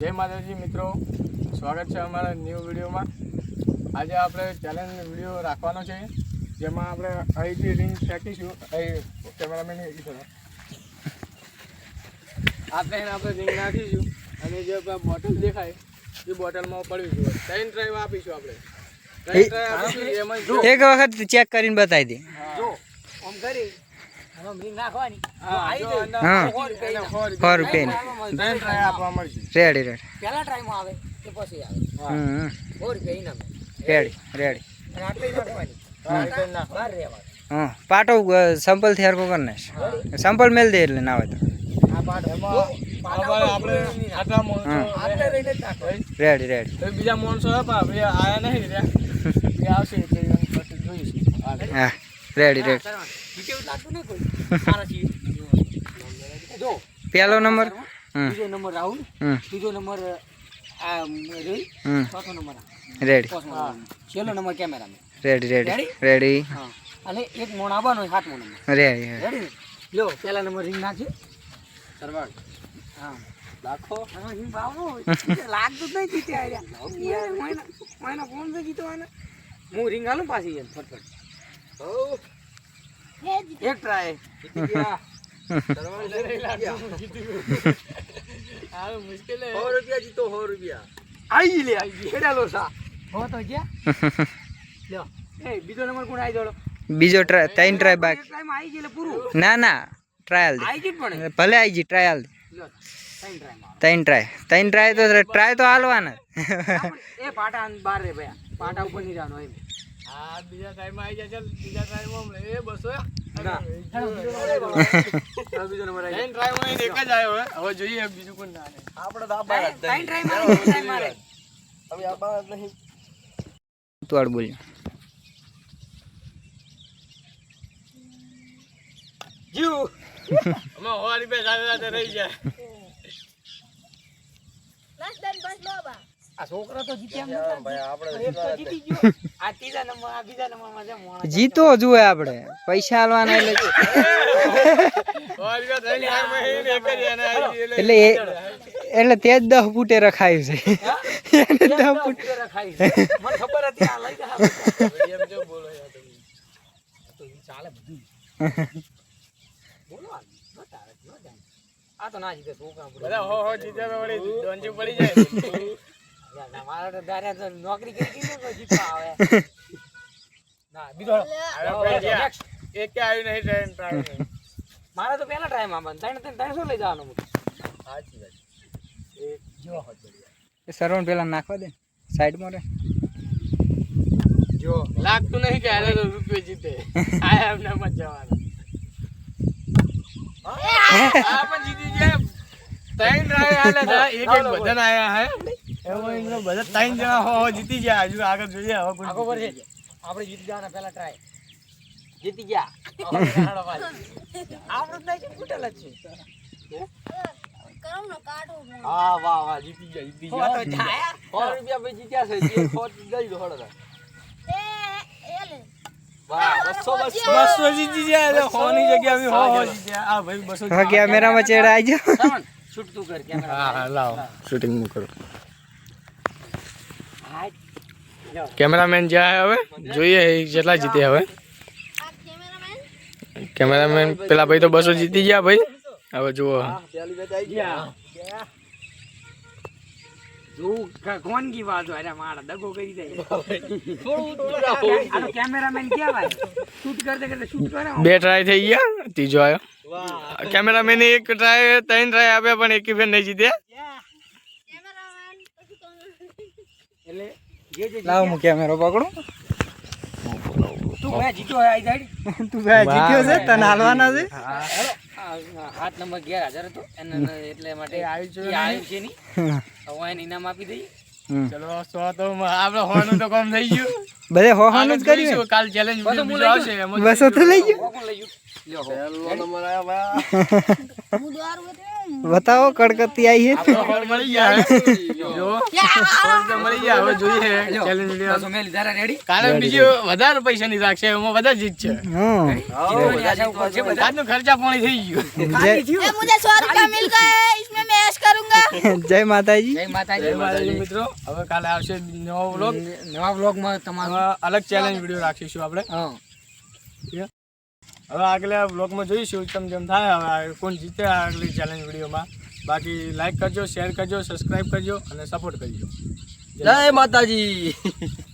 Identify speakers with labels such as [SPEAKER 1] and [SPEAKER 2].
[SPEAKER 1] જય માતાજી મિત્રો, સ્વાગત છે અમારા ન્યૂ વિડીયોમાં। આજે આપણે ચેલેન્જ વિડીયો રાખવાનો છે, જેમાં આપણે અહીંથી રિંગ ફેંકીશું। અહીં કેમેરામેન આપણે રિંગ નાખીશું અને જે બોટલ દેખાય એ બોટલમાં પડવીશું। 3 ટ્રાય આપીશું આપણે। 3 ટ્રાય આપીશું, એમાં
[SPEAKER 2] એક વખત ચેક કરીને બતાવી દે।
[SPEAKER 3] જો આમ કરી રિંગ નાખવાની,
[SPEAKER 2] હા
[SPEAKER 1] 100
[SPEAKER 2] રૂપિયા
[SPEAKER 1] 3 ટ્રાય આપવા મળશે।
[SPEAKER 2] રેડી રેડી
[SPEAKER 3] પહેલા ટ્રાયમાં આવે કે પછી આવે? 100 રૂપિયા ઇનામ।
[SPEAKER 2] રેડી રેડી
[SPEAKER 3] અને આટલી નાખવાની, બહાર રહેવાનું।
[SPEAKER 2] હા પાટો સંપલ થી હરકો કરી નાખ, સંપલ મેલ દે એટલે ના હોય તો
[SPEAKER 3] આ પાટ
[SPEAKER 1] આપણે આટલા માણસો
[SPEAKER 3] આટલે રહીને જ નાખવાનું।
[SPEAKER 2] રેડી રેડી
[SPEAKER 1] તો બીજા માણસો આપણે આયા નહીં રહ્યા, એ આવશે એટલે પછી જોઈશું।
[SPEAKER 2] હા રેડી રેડી
[SPEAKER 3] બીજું લાગતું નહીં કોઈ સારા છીએ। જો
[SPEAKER 2] પહેલો નંબર
[SPEAKER 3] બીજો નંબર રાહુલ, ત્રીજો નંબર આ રોહિત, ચોથો નંબર
[SPEAKER 2] રેડી
[SPEAKER 3] છેલ્લો number cameraman.
[SPEAKER 2] Ready ready ready
[SPEAKER 3] હા અને એક મોણ આવવાનો 7મો નંબર।
[SPEAKER 2] રેડી
[SPEAKER 3] રેડી લો પહેલા નંબર રિંગ નાખી સરવાળ। હા લાખો આમાં રિંગ બાવનો લાગતું જ નહીં જીતે આર્યા યાર। મહિના કોણ છે જીતવાના? હું રિંગ આલું પાછી એમ ફટફટ। હો એક ટ્રાય જીતી ગયા સરવાળ લઈ લાગતું જીતી ગયો।
[SPEAKER 1] આ મુશ્કેલ
[SPEAKER 3] 100 રૂપિયા જીતો 100 રૂપિયા આઈ લે કેડા લો સા હો તો ગયા લ્યો। એ બીજો નંબર કોણ આવી જોડો?
[SPEAKER 2] બીજો ટ્રાય 3 ટ્રાય બાકી।
[SPEAKER 3] ટ્રાય માં આવી ગયેલે પૂરું
[SPEAKER 2] ના ના ટ્રાયલ દે,
[SPEAKER 3] આવી ગઈ પણ
[SPEAKER 2] ભલે આવી જી ટ્રાયલ દે।
[SPEAKER 3] લ્યો 3 ટ્રાય માં
[SPEAKER 2] 3 ટ્રાય તો હાલવાના।
[SPEAKER 3] એ પાટા બાર રે ભયા, પાટા ઉપર નહીં જવાનું એમ।
[SPEAKER 1] આ બીજા ટાઈમમાં આવી જાય, ચાલ બીજા ટાઈમમાં એ બસો
[SPEAKER 3] ના બીજો નંબર આવી
[SPEAKER 1] ત્રણ ટ્રાયમાં એક જ આવ્યો હવે જોઈએ બીજું કોણ ના આવે।
[SPEAKER 3] આપણે તો આ બાર 3 ટ્રાય મારે ટ્રાય મારે
[SPEAKER 1] હવે આ બાર નહીં
[SPEAKER 2] તું બોલ્યો
[SPEAKER 3] જીવ
[SPEAKER 1] અમે હોવારી બે સાથે રહી જાય।
[SPEAKER 3] આ છોકરા તો જીત્યા એમ ભાઈ, આપણે તો જીતી ગયો। આ ત્રીજા નંબર આ બીજા નંબરમાં છે મોણા
[SPEAKER 2] જીતો જોઈએ આપણે, પૈસા હાલવાના એટલે
[SPEAKER 1] હોવારી બે ત્રણ ટ્રાયમાં એક જ એને આવી
[SPEAKER 2] એટલે એટલે તે જ 10 ફૂટે રખાયું છે। એને 10 ફૂટ
[SPEAKER 3] ખાઈ મને ખબર હતી આ લઈ જા
[SPEAKER 1] એમ જો બોલો યાર તમે
[SPEAKER 3] તો ઈ ચાલે બધું બોલો આ નો તારે નો જાય આ તો ના જીતે છોકરા
[SPEAKER 1] બધા હો જીતે તો વળી ડોંજી પડી જાય।
[SPEAKER 3] યાર ના મારા તો દારે તો નોકરી કરી દીધો તો જીતવા આવે ના બીજો
[SPEAKER 1] એક કે આવ્યું નહીં ટ્રેન ટ્રાય
[SPEAKER 3] મારા તો પહેલા ટ્રાય માં બંધ 300 લઈ જવાનો હું
[SPEAKER 1] સાચી વાત એક જો હોત
[SPEAKER 2] એ સરવણ પેલા નાખવા દે સાઈડમાં રે।
[SPEAKER 1] જો લાગતું નહીં કે આલે તો રૂપિયો જીતે। આ એમને મત જવાનો આ પણ જીતી જાય। ત્રણ ટ્રાય આલે હતા, એક બદન આયા હે એમાં એનો બધા 3 જણા હો જીતી ગયા। હજુ આગળ જોઈએ હવે કોણ
[SPEAKER 3] આગો પર છે આપણે જીતી જવાના પહેલા ટ્રાય જીતી ગયા। આપણે તો કુટેલ જ છે।
[SPEAKER 1] હા વાહ વાહ જીતી ગયા જીતી
[SPEAKER 3] હો તો
[SPEAKER 1] ગયા।
[SPEAKER 3] છાયા 100 રૂપિયા ભાઈ જીત્યા છે જે ખોટ ગઈ દો હળો
[SPEAKER 1] વાહ 200 જીતી ગયા એટલે 100 ની જગ્યાએ અમે 100 જીત્યા। આ ભાઈ 200
[SPEAKER 2] હવે કેમેરામાં ચેડા આવી જાવ।
[SPEAKER 3] સાવન શૂટ તું કર કેમેરા
[SPEAKER 1] હા હા લાવો શૂટિંગ નું કરો।
[SPEAKER 3] હાય
[SPEAKER 1] કેમેરામેન જાય હવે જોઈએ કેટલા જીતે હવે। કેમેરામેન પેલા ભાઈ તો 200 જીતી ગયા ભાઈ। હવે જુઓ
[SPEAKER 3] પેલી બેટ આવી ગયા જો કોણ કી વાત હોય અરે મારા દગો કરી દે આ કેમેરામેન કેવાય શૂટ કરતે કરતે શૂટ કરે
[SPEAKER 1] 2 ટ્રાય થઈ ગયા, ત્રીજો આવ્યો। વાહ કેમેરામેન એક ટ્રાય 3 ટ્રાય આપ્યા પણ એક ફેર નહીં જીત્યા।
[SPEAKER 3] એટલે જે જે
[SPEAKER 2] લાવ હું કેમેરો પકડું।
[SPEAKER 3] તું મેં જીત્યો આઈ સાઈડ
[SPEAKER 2] તું જીત્યો છે, તને હાલવાના છે।
[SPEAKER 3] હાથ નંબર 11000 હતો એને એટલે માટે આવ્યું છે ની હવે એને ઇનામ આપી દઈએ।
[SPEAKER 1] ચલો 100 તો આપણે હોવાનું તો કામ થઈ ગયું।
[SPEAKER 2] બધે હોવાનું જ કર્યું।
[SPEAKER 1] કાલ ચેલેન્જ બીજો આવશે એમાં
[SPEAKER 2] 200 તો લઈ ગયો।
[SPEAKER 3] કોણ લઈ ગયું લ્યો હો.
[SPEAKER 1] પહેલો નંબર આયો ભાઈ
[SPEAKER 2] બતાવો કડકતી આવી છે
[SPEAKER 1] આપણે મળી ગયા જો તો મળી ગયા હવે જોઈએ
[SPEAKER 3] લ્યો.
[SPEAKER 1] ચેલેન્જ વિડિયો
[SPEAKER 3] બસો મેલી તારા રેડી
[SPEAKER 1] કાલે બીજો વધારે પૈસાની રાખશે એમાં વધારે જીત છે
[SPEAKER 2] હમ
[SPEAKER 3] જીતવાની આશા ઉપર છે બધા.
[SPEAKER 1] આજનું ખર્ચા પાણી થઈ ગયું
[SPEAKER 3] ખાલી થયું.
[SPEAKER 4] ये मुझे 100 रुपया मिल गए इसमें मैं ऐश करूंगा
[SPEAKER 2] જય માતાજી
[SPEAKER 3] જય માતાજી.
[SPEAKER 1] જય માતાજી મિત્રો હવે કાલે આવશે નવો વ્લોગ
[SPEAKER 3] નવા વ્લોગમાં તમારું
[SPEAKER 1] અલગ ચેલેન્જ વિડિયો રાખીશું આપણે
[SPEAKER 3] હા
[SPEAKER 1] હવે આગલા વ્લોગમાં જોઈશું જેમ થાય હવે કોણ જીતે આગલી ચેલેન્જ વિડીયોમાં બાકી લાઈક કરજો શેર કરજો સબસ્ક્રાઈબ કરજો અને સપોર્ટ કરજો
[SPEAKER 5] જય માતાજી.